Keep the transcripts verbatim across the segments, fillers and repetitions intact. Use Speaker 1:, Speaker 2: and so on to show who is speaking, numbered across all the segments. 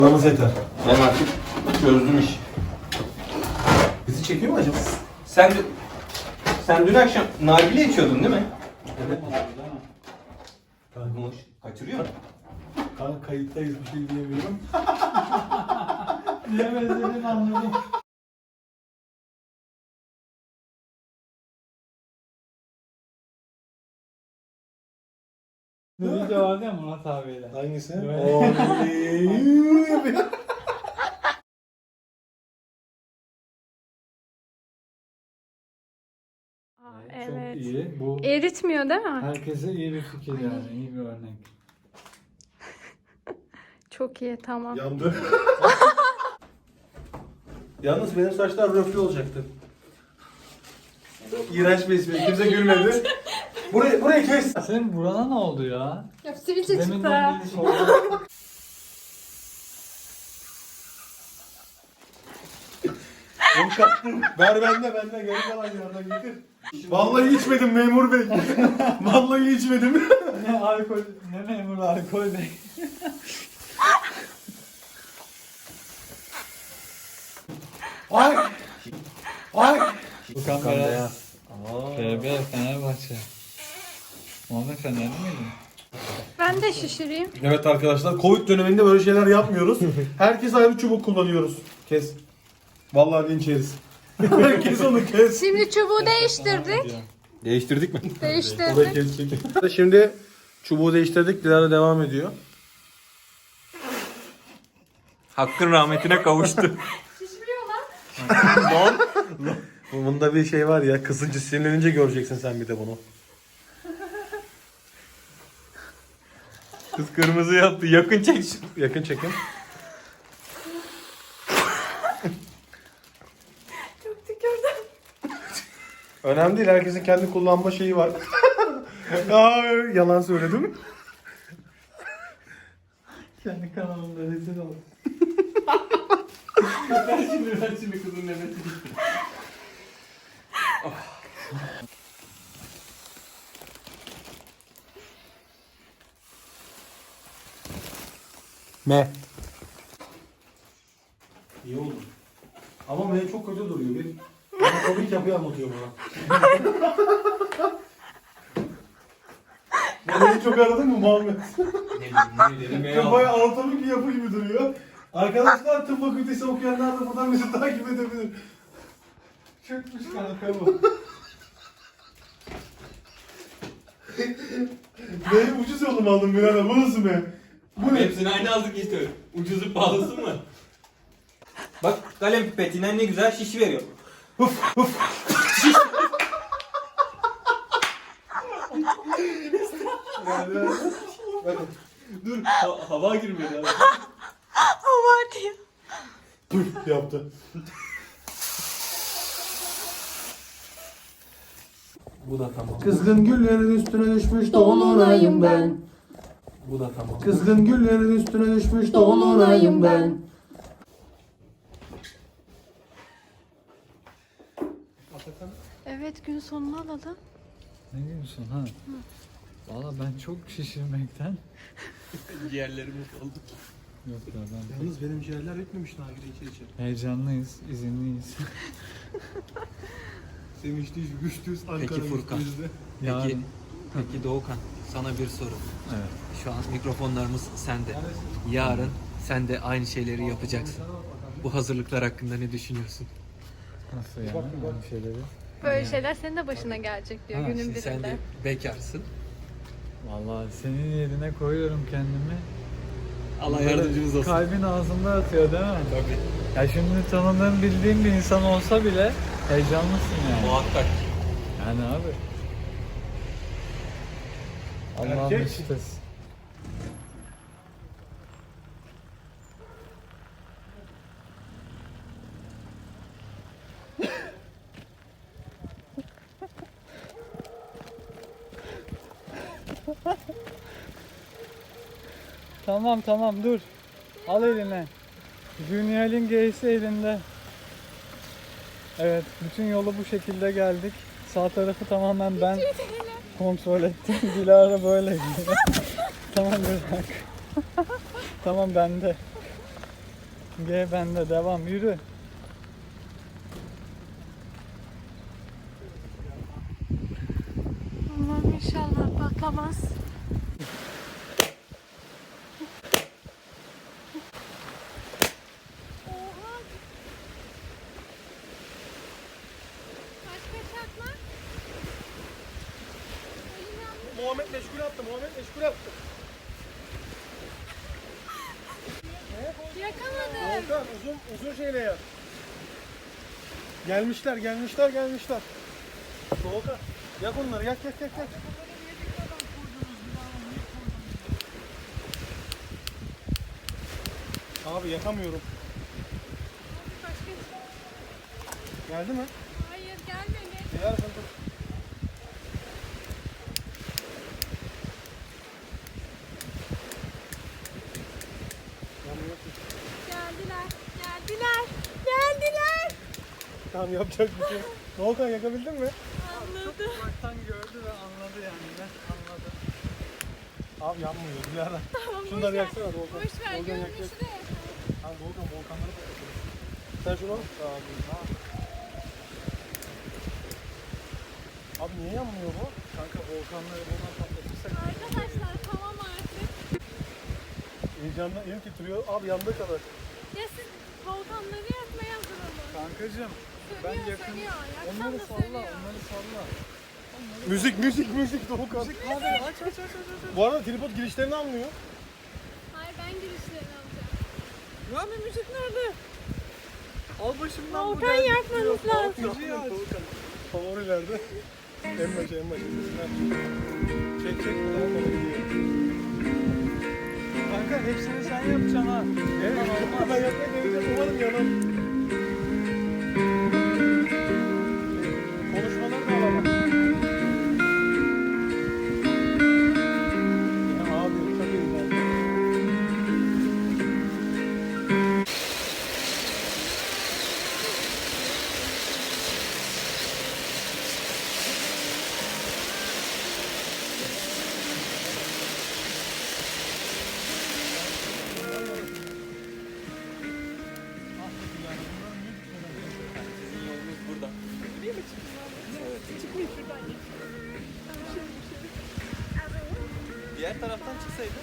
Speaker 1: Paramız yeter.
Speaker 2: Ben artık çözdüm işi.
Speaker 1: Bizi çekiyor mu acaba?
Speaker 2: Sen sen dün akşam nargile içiyordun değil mi?
Speaker 1: Evet.
Speaker 2: Bunu kaçırıyor mu?
Speaker 1: Kanka kayıttayız, bir şey diyemiyorum.
Speaker 3: Diyemezlerini anladım. Bir video vardı ya Murat abiyle.
Speaker 1: Hangisi?
Speaker 3: Evet.
Speaker 1: Oley.
Speaker 4: Aa,
Speaker 3: Çok
Speaker 4: evet.
Speaker 3: iyi. Bu
Speaker 4: Eritmiyor değil mi?
Speaker 3: herkese iyi bir fikir yani. İyi bir örnek.
Speaker 4: Çok iyi, tamam.
Speaker 1: Yandı. Yalnız benim saçlar röflü olacaktı. İğrenç bir espri. Kimse gülmedi. Burayı, burayı kes.
Speaker 3: Senin burana ne oldu ya?
Speaker 4: Ya sivilce çıktı.
Speaker 3: Deminden beri sordum.
Speaker 1: Ver bende, bende. Geri kalan yerden getir. Vallahi içmedim memur bey. Vallahi içmedim.
Speaker 3: Ne alkol, ne memur alkol değil.
Speaker 1: Ay. Ay.
Speaker 3: Okan Beyaz. F B Fenerbahçe. Muhammed Fenerli miydin?
Speaker 4: Ben de şişireyim.
Speaker 1: Evet arkadaşlar, Covid döneminde böyle şeyler yapmıyoruz. Herkes ayrı çubuk kullanıyoruz. Kes. Vallahi linç yeriz. Herkes onu kes.
Speaker 4: Şimdi çubuğu değiştirdik.
Speaker 2: Değiştirdik mi?
Speaker 1: Orayı
Speaker 4: Değiştirdik.
Speaker 1: kesecek. Şimdi çubuğu değiştirdik. Dilara devam ediyor.
Speaker 2: Hakkın rahmetine kavuştu.
Speaker 4: Şişmiyor lan.
Speaker 1: Bunda bir şey var ya, kısınca sinirlenince göreceksin sen bir de bunu.
Speaker 2: Kız kırmızı yaptı. Yakın çek şunu.
Speaker 1: Yakın çekim.
Speaker 4: Çok tükürdüm.
Speaker 1: Önemli değil, herkesin kendi kullanma şeyi var. Aa, yalan söyledim.
Speaker 3: Kendi kanalımda rezil oldum.
Speaker 2: Ben şimdi ben şimdi kızın nefesi gitti.
Speaker 1: Me. İyi oldu. Ama benim çok kötü duruyor. Bir anatomik yapıyı anlatıyor bana. Beni çok aradın mı Muhammed?
Speaker 2: Ne bileyim ne
Speaker 1: Çok bayağı anatomik bir yapı gibi duruyor. Arkadaşlar tıp fakültesi okuyanlar da buradan bizi takip edebilir. Çökmüş kanka bu. Benim ucuz yolum aldım birader. Bu nasıl be? Bu ne?
Speaker 2: Hepsini aynı aldık işte. Ucuzu pahalısı mı? Bak kalem pipetinden ne güzel şiş veriyor.
Speaker 1: Bakın.
Speaker 2: Dur ha- hava girmedi abi.
Speaker 4: Hava diyor.
Speaker 1: Püf yaptı.
Speaker 2: Bu da tamam.
Speaker 1: Kızgın güllerin üstüne düşmüş dolunayım ben.
Speaker 2: Bu da tamam.
Speaker 1: Kızgın güllerin üstüne düşmüş dolunayım ben.
Speaker 4: Evet, gün sonunu alalım.
Speaker 3: Ne diyorsun ha? Valla ben çok şişirmekten.
Speaker 2: Ciğerlerimiz oldu.
Speaker 3: Yok ya ben
Speaker 1: Yalnız benim ciğerler etmemiş nargile içe içe.
Speaker 3: heyecanlıyız, izinliyiz.
Speaker 1: Sevinçliyiz, güçlüyüz Ankara
Speaker 5: Peki Furkan.
Speaker 1: güçlüyüz de.
Speaker 5: Peki,
Speaker 3: Yarın.
Speaker 5: peki Doğukan, sana bir soru.
Speaker 3: Evet.
Speaker 5: Şu an mikrofonlarımız sende. Yarın sen de aynı şeyleri yapacaksın. Bu hazırlıklar hakkında ne düşünüyorsun?
Speaker 3: Nasıl yani? Aynı şeyleri.
Speaker 4: Böyle şeyler senin de başına gelecek diyor
Speaker 3: Ha,
Speaker 4: günün
Speaker 5: Şimdi sen de
Speaker 4: birinde.
Speaker 5: bekarsın.
Speaker 3: Vallahi senin yerine koyuyorum kendimi.
Speaker 5: Allah
Speaker 3: Böyle
Speaker 5: yardımcımız olsun.
Speaker 3: Kalbin ağzında atıyor değil mi?
Speaker 5: Tabii.
Speaker 3: Ya şimdi tanıdığım, bildiğim bir insan olsa bile heyecanlısın yani.
Speaker 5: Muhakkak.
Speaker 3: Yani abi. Allah'ın
Speaker 1: Erkek.
Speaker 3: iştesi. Tamam tamam dur. Al eline. Junior'in G'si elinde. Evet, bütün yolu bu şekilde geldik. Sağ tarafı tamamen ben kontrol ettim. Dilara böyle gidiyor. Tamam bırak. Tamam bende. G bende devam yürü.
Speaker 4: Allah'ım inşallah patlamaz. Oha. Başka çakma. Elim yanmış.
Speaker 1: Muhammed meşgul attı. Muhammed meşgul attı.
Speaker 4: Yakamadım.
Speaker 1: Volkan uzun uzun şeyle yap. Gelmişler, gelmişler, gelmişler. Volkan yak onları, yak yak yak yak. Abi yakamıyorum.
Speaker 4: Başka
Speaker 1: Geldi mi?
Speaker 4: Hayır gelmedi.
Speaker 1: Gel dur.
Speaker 4: Geldiler. Geldiler. Geldiler.
Speaker 1: Tamam yapacak bir şey yok. Volkan yakabildin mi?
Speaker 4: Anladı.
Speaker 3: Uzaktan gördü ve anladı yani ne anladı.
Speaker 1: Abi yanmıyor Dilara.
Speaker 4: Tamam,
Speaker 1: Şunları
Speaker 4: boş ver.
Speaker 1: yaksana Volkan.
Speaker 4: Boş ver.
Speaker 1: Volkan yak yak.
Speaker 4: Görünüşü de.
Speaker 1: Abi Volkan volkanları patlatalım. Sen şunu al. Tamam. Tamam. Abi niye yanmıyor bu?
Speaker 3: Kanka volkanları buradan patlatırsak.
Speaker 4: Arkadaşlar tamam artık.
Speaker 1: Heyecandan elim titriyor. Abi yandığı kadar.
Speaker 4: Ya siz volkanları yakmaya hazır olun.
Speaker 3: Kankacım ben
Speaker 4: Sönüyor,
Speaker 3: yakın.
Speaker 4: sönüyor. Yaksan
Speaker 3: Onları
Speaker 4: da
Speaker 3: salla,
Speaker 4: sönüyor.
Speaker 3: onları salla.
Speaker 1: Müzik müzik müzik Volkan.
Speaker 3: Hadi aç aç aç aç aç.
Speaker 1: Bu arada tripod girişlerini almıyor.
Speaker 4: Hayır ben girişlerini alacağım.
Speaker 3: Lan bir müzik nerede? Al başımdan bu
Speaker 4: Volkan
Speaker 3: geldi.
Speaker 4: yakmanız lazım.
Speaker 3: Müziği aç.
Speaker 1: Favorilerde. En başa en başa. Çek çek. Tamam bana gidiyor.
Speaker 3: Kanka hepsini sen yapacaksın ha.
Speaker 1: Evet. Ben yapmaya geleceğim. Umarım yanam. Konuşmaları da alamam. Ya abi çok iyi.
Speaker 5: Sizin yolunuz burada. Diğer taraftan çıksaydın.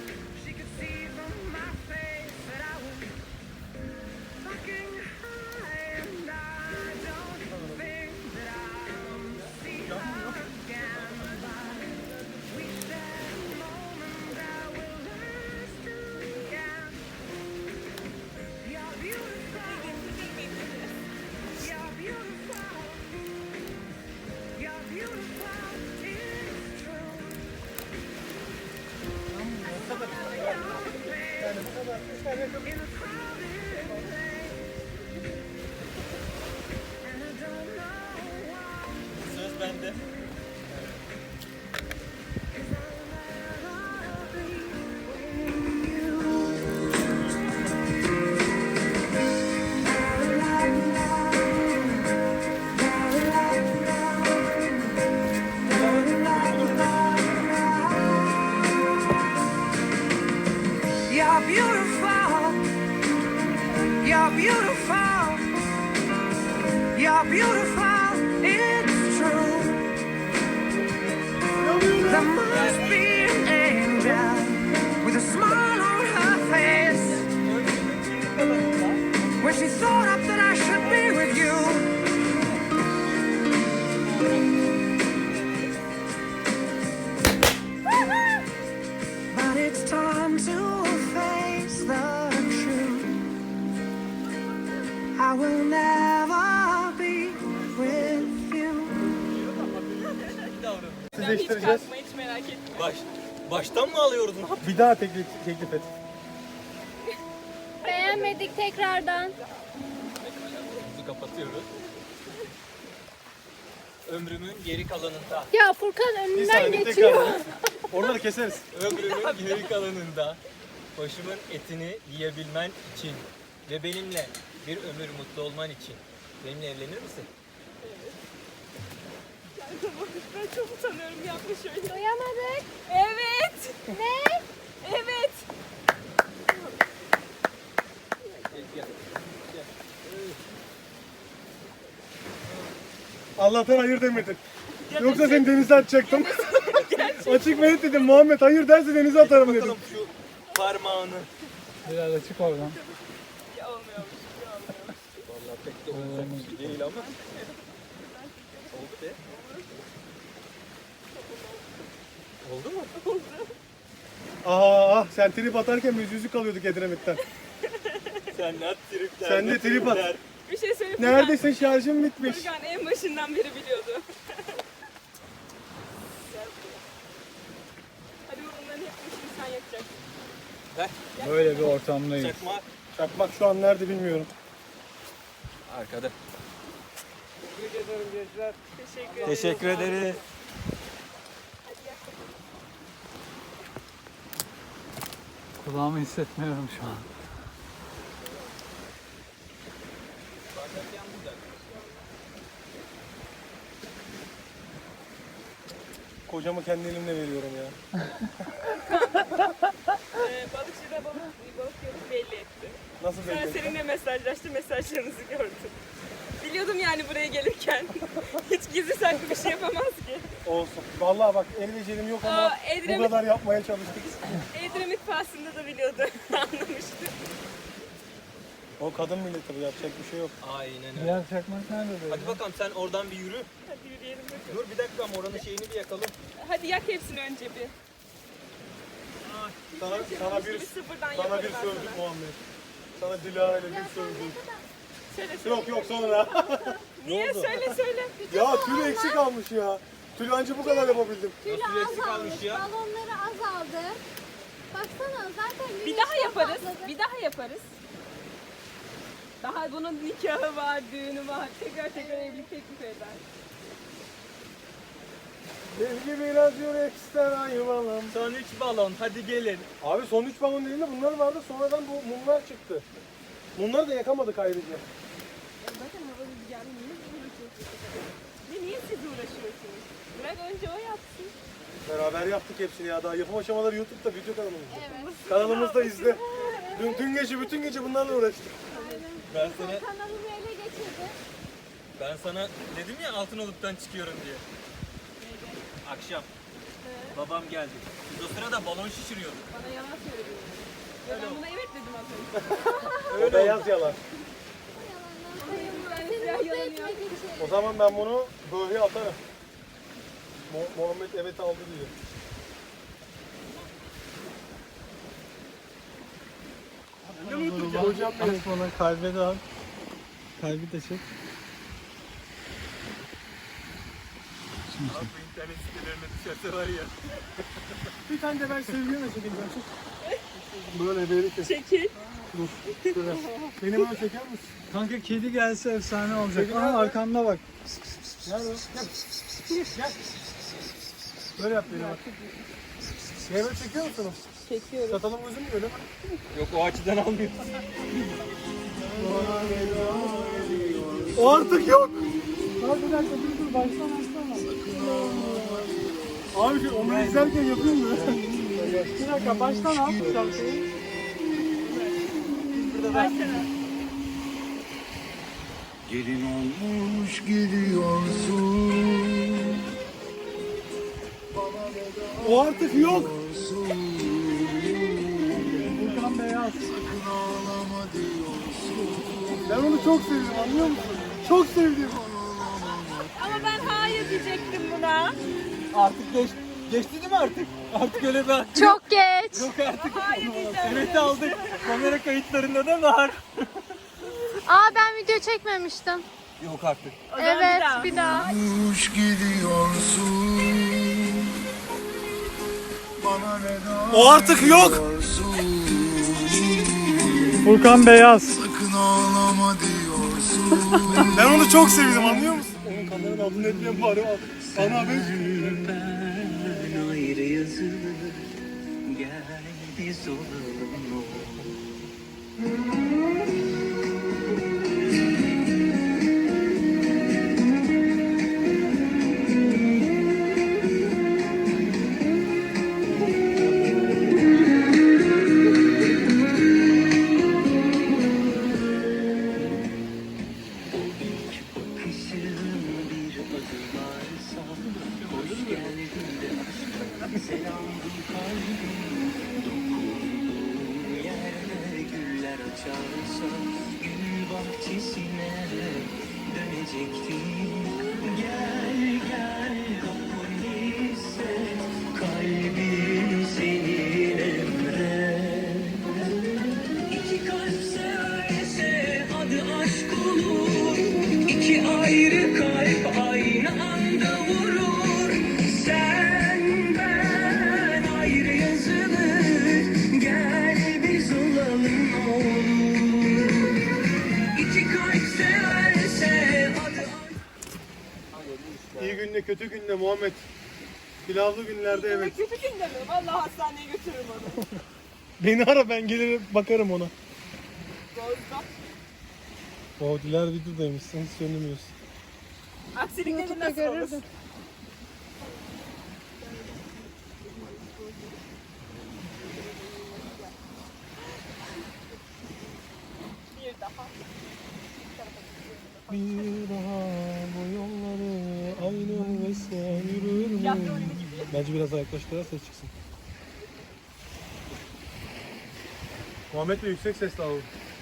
Speaker 5: Söz bende.
Speaker 6: You're beautiful. You're beautiful. You're beautiful. It's true. There must be an angel with a smile on her face when she thought up that I should be with you. But it's time to face the truth. I will never be with you.
Speaker 1: Sizleştireceğiz.
Speaker 5: Baş, baştan mı alıyoruz? Ne yap-
Speaker 1: Bir daha teklif, teklif et.
Speaker 4: Beğenmedik tekrardan.
Speaker 5: Bizi kapatıyoruz. Ömrümün geri kalanında,
Speaker 4: Ya Furkan
Speaker 1: Bir
Speaker 4: önünden
Speaker 1: saniye
Speaker 4: geçiyor.
Speaker 1: tekrar. Oraları keseriz.
Speaker 5: ömrümün geri kalanında başımın etini yiyebilmen için ve benimle bir ömür mutlu olman için benimle evlenir misin?
Speaker 4: Duyamadık. Evet. Ne? Evet.
Speaker 1: Allah'tan hayır demedin. Yoksa seni denize atacaktım. Açık ve net dedim. Muhammed hayır derse denize atarım dedim.
Speaker 5: Bakalım şu parmağını.
Speaker 3: Biraz açık oradan.
Speaker 5: Ya olmuyormuş. Ya olmuyormuş. Vallahi pek de olacak bir şey değil ama. Oldu be. Oldu mu? Oldu.
Speaker 1: Aa, sen trip atarken biz yüzük alıyorduk Edremit'ten.
Speaker 5: Sen ne tripler.
Speaker 1: Sen de
Speaker 5: ne
Speaker 1: trip at.
Speaker 5: tripler.
Speaker 7: Bir şey söyleyeyim.
Speaker 1: Neredesin, şarjım bitmiş.
Speaker 7: Furkan en başından beri biliyordu. Hadi bu bunların hepsini sen yakacaksın.
Speaker 5: Ver.
Speaker 3: Böyle bir ortamdayız.
Speaker 5: Çakma.
Speaker 1: Çakmak şu an nerede bilmiyorum.
Speaker 5: Arkada.
Speaker 7: Teşekkür ederim.
Speaker 5: Teşekkür ederiz.
Speaker 3: Kulağımı hissetmiyorum şu an.
Speaker 1: Kocamı kendi elimle veriyorum ya.
Speaker 7: Ee, balıkçı da balık, balık yolu belli etti.
Speaker 1: Nasıl
Speaker 7: Sonra
Speaker 1: bekledin?
Speaker 7: seninle mesajlaştı, mesajlarınızı gördüm. Biliyordum yani buraya gelirken. Hiç gizli saklı bir şey yapamaz ki.
Speaker 1: Olsun. Vallahi bak el becerim yok ama
Speaker 7: Aa,
Speaker 1: bu
Speaker 7: Edremit,
Speaker 1: kadar yapmaya çalıştık.
Speaker 7: Edremit pahasında da biliyordu. Anlamıştı.
Speaker 1: O kadın milleti bu, yapacak bir şey yok.
Speaker 5: Aynen öyle.
Speaker 3: Diğer çakmak nerede böyle?
Speaker 5: Hadi bakalım sen oradan bir yürü.
Speaker 7: Hadi yürüyelim bakalım.
Speaker 5: Dur bir dakika ama oranın şeyini bir yakalım.
Speaker 7: Hadi yak hepsini önce bir.
Speaker 1: Sana, sana bir,
Speaker 7: Bir sıfırdan
Speaker 1: sana
Speaker 7: yaparım
Speaker 1: bir
Speaker 7: ben
Speaker 1: sövdük
Speaker 7: sana.
Speaker 1: Muhammed. Sana Dilara ile bir sövdük.
Speaker 7: Söyle söyle.
Speaker 1: Yok yok sonra.
Speaker 7: Niye? Söyle söyle.
Speaker 1: Ya tülü eksik almış ya. Tülü anca bu kadar yapabildim.
Speaker 4: Tülü
Speaker 5: Nasıl eksik
Speaker 4: azalmış,
Speaker 5: almış ya?
Speaker 4: balonları azaldı. Baksana zaten
Speaker 7: Bir
Speaker 4: güneş
Speaker 7: daha yaparız.
Speaker 4: patladı.
Speaker 7: Bir daha yaparız. Daha bunun nikahı var, düğünü var. Tekrar tekrar evlilik teklif eder.
Speaker 1: Sevgi biraz yürekten ayvalım.
Speaker 5: Son üç balon hadi gelin.
Speaker 1: Abi son üç balon değil de bunlar vardı, sonradan bu mumlar çıktı. Mumları da yakamadık ayrıca.
Speaker 7: Bakın hava rüzgarı niye uğraşıyorsunuz? Ve niye siz uğraşıyorsunuz? Bırak önce o yapsın.
Speaker 1: Beraber yaptık hepsini ya, daha yapım aşamaları YouTube'da, video kanalımızda.
Speaker 4: Evet.
Speaker 1: Kanalımızda izle. Dün, dün gece bütün gece bunlarla uğraştık.
Speaker 5: Ben sana
Speaker 4: Kanalımı ele geçirdi.
Speaker 5: ben sana dedim ya Altınoluk'tan çıkıyorum diye. Akşam babam geldi. Biz o sırada balon şişiriyorduk.
Speaker 7: Bana yalan söyledin. Ve ben buna evet dedim az önce.
Speaker 1: O beyaz yalan.
Speaker 7: Ben
Speaker 4: Seni
Speaker 7: siyah
Speaker 4: mutlu
Speaker 7: yalan
Speaker 4: etmek için.
Speaker 1: O zaman ben bunu böyle atarım. Mu- Muhammed evet aldı diye. Hocam
Speaker 3: At bana, kalbe de at. Kalbi de çek.
Speaker 5: Abi internet sitelerine düşerse var ya.
Speaker 1: bir tane de ben sevgilime çekeyim. Böyle böyle kes.
Speaker 7: Çekil.
Speaker 1: Dur. Şöyle. Beni böyle çeker misin?
Speaker 3: Kanka kedi gelse efsane olacak.
Speaker 1: Kedi
Speaker 3: Aha
Speaker 1: nerede?
Speaker 3: arkamda bak.
Speaker 1: Nerede o? Gel. Gel. Böyle yap beni bak. Beni böyle çekiyor musunuz?
Speaker 7: Çekiyorum.
Speaker 1: Satalım gözüm öyle mi?
Speaker 5: Yok o açıdan almıyoruz.
Speaker 1: O artık yok.
Speaker 3: Abi bir dakika dur dur baştan baştan.
Speaker 1: Abi şu onu izlerken yapayım mı?
Speaker 3: Bir dakika baştan al şarkıyı.
Speaker 8: Gelin olmuş gidiyorsun.
Speaker 1: O artık yok.
Speaker 3: Furkan Beyaz.
Speaker 8: Ağlama diyorsun.
Speaker 1: Ben onu çok sevdim, anlıyor musun? Çok sevdim.
Speaker 7: Ama ben hayır diyecektim buna.
Speaker 5: Artık geç, geçti değil mi artık? Artık öyle bir
Speaker 4: Çok geç.
Speaker 5: yok artık.
Speaker 7: Hayır diyeceğim.
Speaker 5: Evet aldık. Kamera kayıtlarında da var.
Speaker 4: Aa ben video çekmemiştim.
Speaker 5: Yok artık.
Speaker 7: O zaman
Speaker 4: Evet
Speaker 7: daha.
Speaker 4: bir daha.
Speaker 8: Olmuş gidiyorsun. Bana veda
Speaker 1: O artık yok.
Speaker 8: diyorsun.
Speaker 3: Furkan Beyaz.
Speaker 8: Sakın ağlama diyorsun.
Speaker 1: Ben onu çok sevdim, anlıyor musun? Onun kameranın adını etmeyen bari var. Bana haber.
Speaker 9: Ben ayrı yazı gel biz olalım. Bakışın bir çağırsa gül bahçesine dönecektim. Gel gel kapını hisset, kalbim senin emre. İki kalp severse adı aşk olur. İki ayrı kalp aynı anda vurur. Sen ben ayrı yazılır. Gel biz olalım olur. İki kalp severse adı
Speaker 1: İyi günde kötü günde Muhammed. Pilavlı günlerde evet.
Speaker 7: Kötü günde mi? Vallahi hastaneye götürürüm onu.
Speaker 1: Beni ara ben gelirim bakarım ona.
Speaker 7: Doğrudan.
Speaker 1: O Diler videodaymış sen hiç söylemiyorsun.
Speaker 7: Aksilikleri nasıl olur? Bir daha.
Speaker 1: Bir daha bu yolları aynı ve sen yürür mü?
Speaker 7: Yaptı öyle gibi.
Speaker 1: Bence biraz daha yaklaştıra ses çıksın. Muhammed Bey yüksek sesle alalım.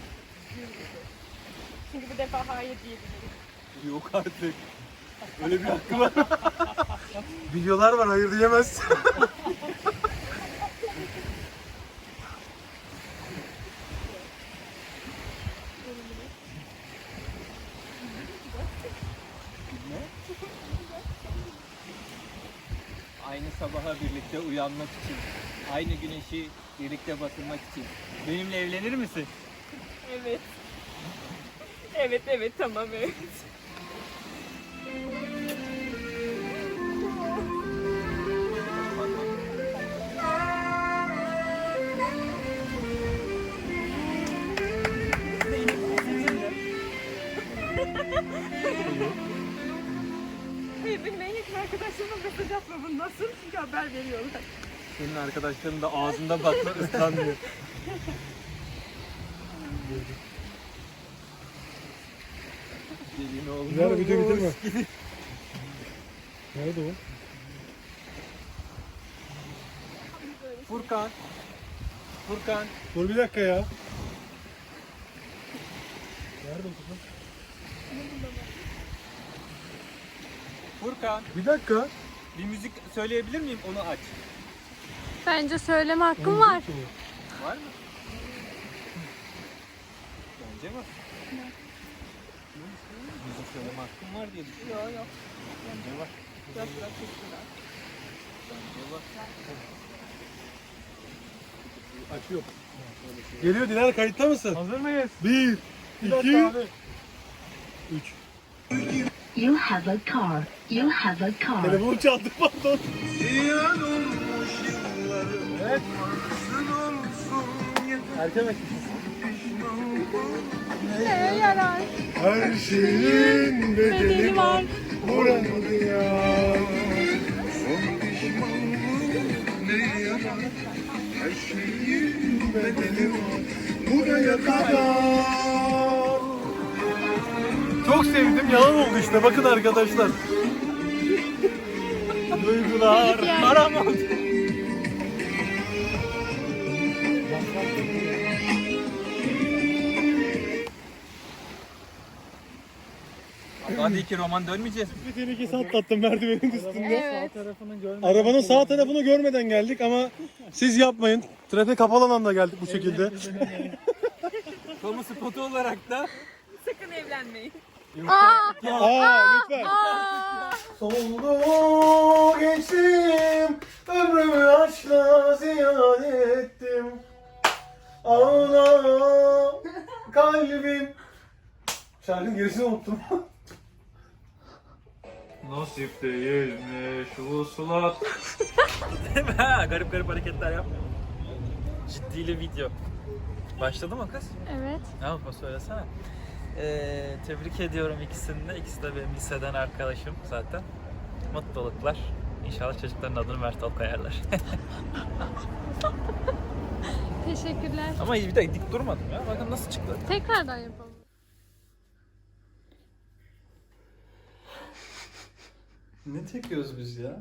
Speaker 7: Çünkü bu defa hayır diyebilirim.
Speaker 1: Yok artık. Öyle bir hakkı var. Videolar var hayır diyemez.
Speaker 5: Aynı sabaha birlikte uyanmak için, aynı güneşi birlikte batırmak için. Benimle evlenir misin?
Speaker 7: Evet. Evet evet tamam evet. Hayır benim en yakın arkadaşlarıma mesaj atma bunu nasıl? Çünkü haber veriyorlar.
Speaker 5: Senin arkadaşların da ağzında bakma ıslanmıyor. Gelin olmuş.
Speaker 1: Diler video bitirme. Nerede o?
Speaker 5: Furkan. Furkan.
Speaker 1: Dur bir dakika ya. Nerede o kızım?
Speaker 5: Furkan.
Speaker 1: Bir dakika.
Speaker 5: Bir müzik söyleyebilir miyim? Onu aç.
Speaker 4: Bence söyleme hakkım var.
Speaker 5: Var mı? Bence var. Müzik söyleme hakkım var diye düşünüyorum.
Speaker 7: Yok yok.
Speaker 5: Bence var.
Speaker 7: Yok yok teşekkürler.
Speaker 5: Bence var.
Speaker 1: Açıyor. Geliyor Diler kayıtta mısın? Hazır mıyız? Bir, iki, üç.
Speaker 10: You have a car. You have a car.
Speaker 1: Telefonu çaldı pardon. Evet. Erken açmışsın.
Speaker 4: Neye yarar?
Speaker 1: Her şeyin bedeli var. Burada ya. Son pişmanlık ne yarar? Her şeyin bedeli var. Buraya kadar. Çok sevdim yalan oldu işte bakın arkadaşlar. Duygular haram oldu.
Speaker 5: Hadi iki roman dönmeyeceğiz.
Speaker 1: Bir tehlikesi atlattım merdivenin üstünde.
Speaker 4: Evet.
Speaker 3: Tarafını görmeden
Speaker 1: Arabanın sağ tarafını görmeden geldik ama siz yapmayın. Trafik kapalı alanda geldik bu şekilde.
Speaker 5: Kamu spotu olarak da
Speaker 7: Sakın evlenmeyin.
Speaker 4: Aa!
Speaker 1: Aa lütfen.
Speaker 4: Aa!
Speaker 1: Soldu geçtim, ömrümü aşkla ziyan ettim. Ağla kalbim. Şarkının gerisini unuttum.
Speaker 5: nasip değilmiş usulat. garip garip hareketler yapmıyor. Ciddiyle video. Başladı mı kız?
Speaker 4: Evet.
Speaker 5: Ne yapma söylesene. Ee, tebrik ediyorum ikisini de. İkisi de benim liseden arkadaşım zaten. Mutluluklar. İnşallah çocukların adını Mertal koyarlar.
Speaker 4: Teşekkürler.
Speaker 5: Ama bir de dik durmadım ya. Bakın nasıl çıktı.
Speaker 4: Tekrardan yapalım.
Speaker 3: Ne çekiyoruz biz ya?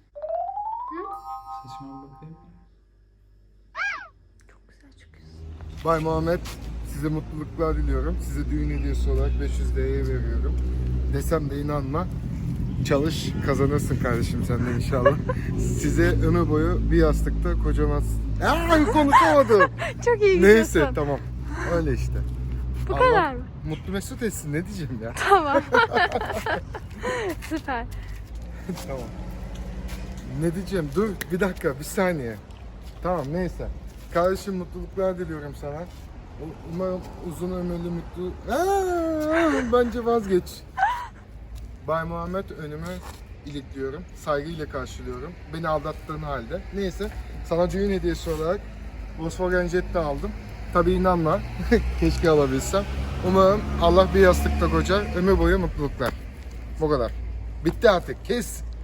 Speaker 3: Saçıma bakayım.
Speaker 4: Çok güzel çıkıyorsun.
Speaker 8: Bay Muhammed, size mutluluklar diliyorum. Size düğün hediyesi olarak beş yüz liraya veriyorum. Desem de inanma. Çalış, kazanırsın kardeşim sen de inşallah. Size ömür boyu bir yastıkta kocaman... Aa, konuşamadım.
Speaker 4: Çok iyi
Speaker 8: Neyse
Speaker 4: gidiyorsun.
Speaker 8: tamam. Öyle işte.
Speaker 4: Bu
Speaker 8: Allah
Speaker 4: kadar mı?
Speaker 8: mutlu mesut etsin, ne diyeceğim ya.
Speaker 4: Tamam. Süper.
Speaker 8: Tamam. Ne diyeceğim? Dur bir dakika, bir saniye. Tamam neyse. Kardeşim mutluluklar diliyorum sana. U- Umarım uzun ömürlü mutlu... Aa, bence vazgeç. Bay Muhammed önümü ilikliyorum. Saygıyla karşılıyorum. Beni aldattığın halde. Neyse. Sana düğün hediyesi olarak Volkswagen Jetta aldım. Tabii inanma. Keşke alabilsem. Umarım Allah bir yastıkta kocar. Ömür boyu mutluluklar. Bu kadar. Bitti artık. Kes.